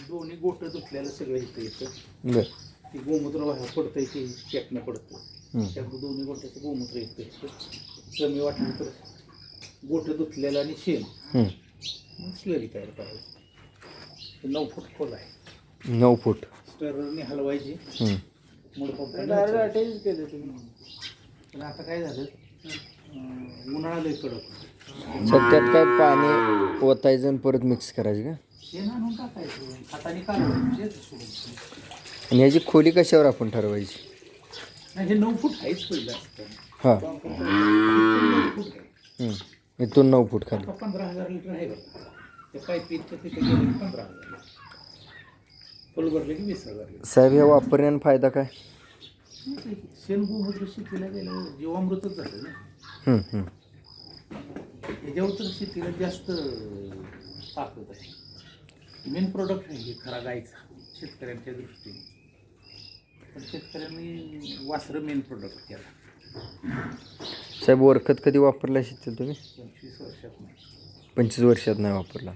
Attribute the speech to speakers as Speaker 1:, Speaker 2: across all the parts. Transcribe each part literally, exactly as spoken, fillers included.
Speaker 1: दोन्ही गोट धुतल्याला सगळं इथं येतं.
Speaker 2: बर.
Speaker 1: ती गोमूत्र बाहेर पडतंय की चेकनं पडतं. त्यामुळे दोन्ही गोट्याचं गोमूत्र येतं इथं. कमी वाटलं तर गोट धुतलेलं आणि शेण मग स्लरी तयार करायची. नऊ फूट खोल आहे.
Speaker 2: नऊ फूट
Speaker 1: स्टररने हलवायची. मूळ पंपाने
Speaker 3: अटॅच केलं तुम्ही.
Speaker 1: पण आता काय झालं, उन्हाळा लय कडक.
Speaker 2: सध्यात काय पाणी ओतायचं आणि परत मिक्स करायचं का?
Speaker 1: शेण आणून टाकायचं, हाताने काढायचं सोडायचं.
Speaker 2: आणि ह्याची खोली कशावर आपण ठरवायची?
Speaker 1: नाही, हे नऊ फूट आहेच पहिलं असतं.
Speaker 2: हां.
Speaker 1: नऊ फूट आहे.
Speaker 2: इथून नऊ फूट खाली.
Speaker 1: आता पंधरा हजार लिटर आहे बघा. त्या पाईपीच्या तिथे गेले की पंधरा हजार, फुल भरले की वीस हजार लिटर.
Speaker 2: साहेब ह्या वापरण्यानं फायदा काय?
Speaker 1: शेण गोमूत्र शेतीला गेलं जीवामृतच झालं ना.
Speaker 2: हम्म, हम्म.
Speaker 1: ह्याच्यावर तर शेतीला जास्त ताकद आहे. मेन प्रोडक्ट आहे हे खरा गायचा शेतकऱ्यांच्या दृष्टीने. पण शेतकऱ्यांनी वासरं मेन प्रोडक्ट केला.
Speaker 2: साहेब वरखत कधी वापरला शेतीला तुम्ही?
Speaker 1: पंचवीस वर्षात नाही.
Speaker 2: पंचवीस वर्षात नाही वापरला.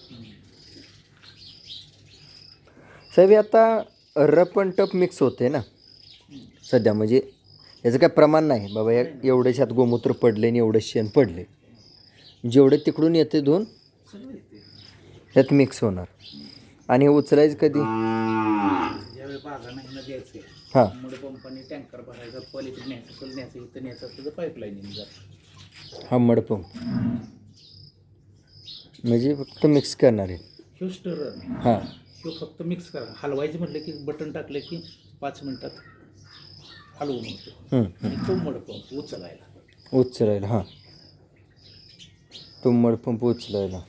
Speaker 2: साहेब आता रप आणि टप मिक्स होते ना सध्या, म्हणजे याचं काय प्रमाण नाही बाबा या एवढ्याच्यात गोमूत्र पडले आणि एवढं शेण पडले. जेवढे तिकडून येते दोन
Speaker 1: सगळं येते
Speaker 2: यात मिक्स होणार. आणि हे उचलायचं कधी?
Speaker 1: ज्यावेळी बागांना ह्यांना द्यायचं आहे.
Speaker 2: हां.
Speaker 1: मुळे पंपाने टँकर भरायचा, पलीकडे न्यायचं, पल न्यायचं, इथं न्यायचं असतं तर पाईपलाईन जातं.
Speaker 2: हा मडपंप म्हणजे फक्त मिक्स करणार आहे.
Speaker 1: ह्यो स्टरर
Speaker 2: हां.
Speaker 1: ह्यो फक्त मिक्स करा. हलवायचं म्हटलं की बटन टाकलं की पाच मिनिटात हलवून होतो. आणि तो मडपंप उचलायला
Speaker 2: उचलायला. हां. तो मडपंप उचलायला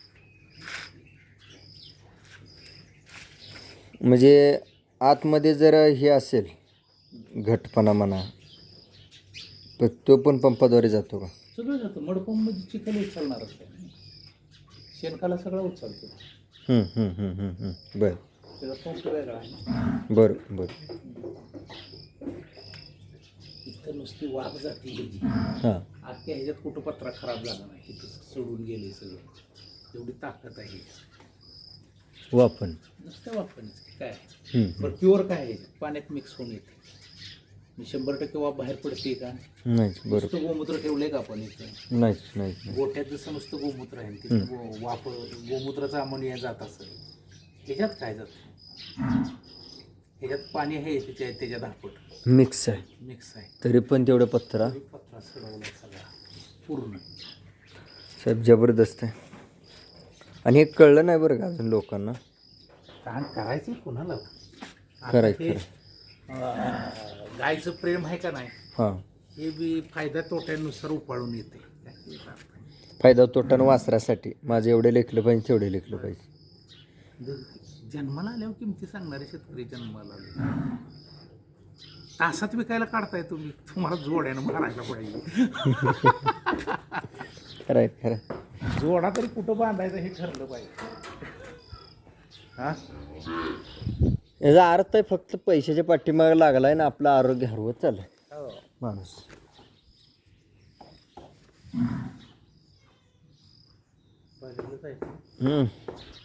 Speaker 2: म्हणजे आतमध्ये जर हे असेल घटपणा म्हणा तर तो पण पंपाद्वारे जातो का?
Speaker 1: सगळं जातं. मडपंप मध्ये चिखल उचलणारच काय नाही. शेणखाला सगळं उचलतो.
Speaker 2: हम्म, हम्म, हम्म, हम्म, हम्म. बरं
Speaker 1: त्याचा पंप वेगळा आहे.
Speaker 2: बरं बरं.
Speaker 1: इथं नुसती वाफ जाते ह्याची.
Speaker 2: हां.
Speaker 1: अख्ख्या ह्याच्यात कुठं पत्रा खराब झाला नाही. इथं सोडून गेले सगळं. एवढी ताकद आहे
Speaker 2: वापन
Speaker 1: नुसतं वापरण्याचं काय आहे.
Speaker 2: हम्म.
Speaker 1: पण प्युअर काय आहे पाण्यात मिक्स होऊन येते. मी शंभर टक्के वाफ बाहेर पडते का?
Speaker 2: नाहीच. बरं.
Speaker 1: नुसतं गोमूत्र ठेवलंय का आपण इथं?
Speaker 2: नाहीच नाहीच.
Speaker 1: गोठ्यात जसं नुसतं गोमूत्र आहे तिथं गो- वाफ गोमूत्राचा अमोनिया जात असेल. ह्याच्यात काय जातं? ह्याच्यात पाणी आहे त्याच्या त्याच्या धापट
Speaker 2: मिक्स आहे.
Speaker 1: मिक्स आहे.
Speaker 2: तरी पण तेवढं पत्रा
Speaker 1: तरी पत्रा सडवला सगळा पूर्ण.
Speaker 2: साहेब जबरदस्त आहे. आणि हे कळलं नाही बरं का अजून लोकांना.
Speaker 1: तहान करायची कुणाला?
Speaker 2: करायचं
Speaker 1: हे,
Speaker 2: खरं.
Speaker 1: अं, गायचं प्रेम आहे का नाही
Speaker 2: हां.
Speaker 1: हे बी फायदा तोट्यानुसार उपाळून येते.
Speaker 2: फायदा तोटा वासरासाठी माझं एवढे लेखलं पाहिजे तेवढे लेखलं पाहिजे.
Speaker 1: जन्माला आल्यावर किमती सांगणारे शेतकरी जन्माला आले. तासात विकायला काढताय तुम्ही, तुम्हाला जोड्यानं मारायला पाहिजे.
Speaker 2: खरं आहे खरं.
Speaker 1: जोडा तरी कुठं बांधायचं हे ठरलं पाहिजे. हा
Speaker 2: याचा अर्थ आहे फक्त पैशाच्या पाठीमागे लागलाय ना आपलं आरोग्य हरवत चाललंय माणूस. हम्म.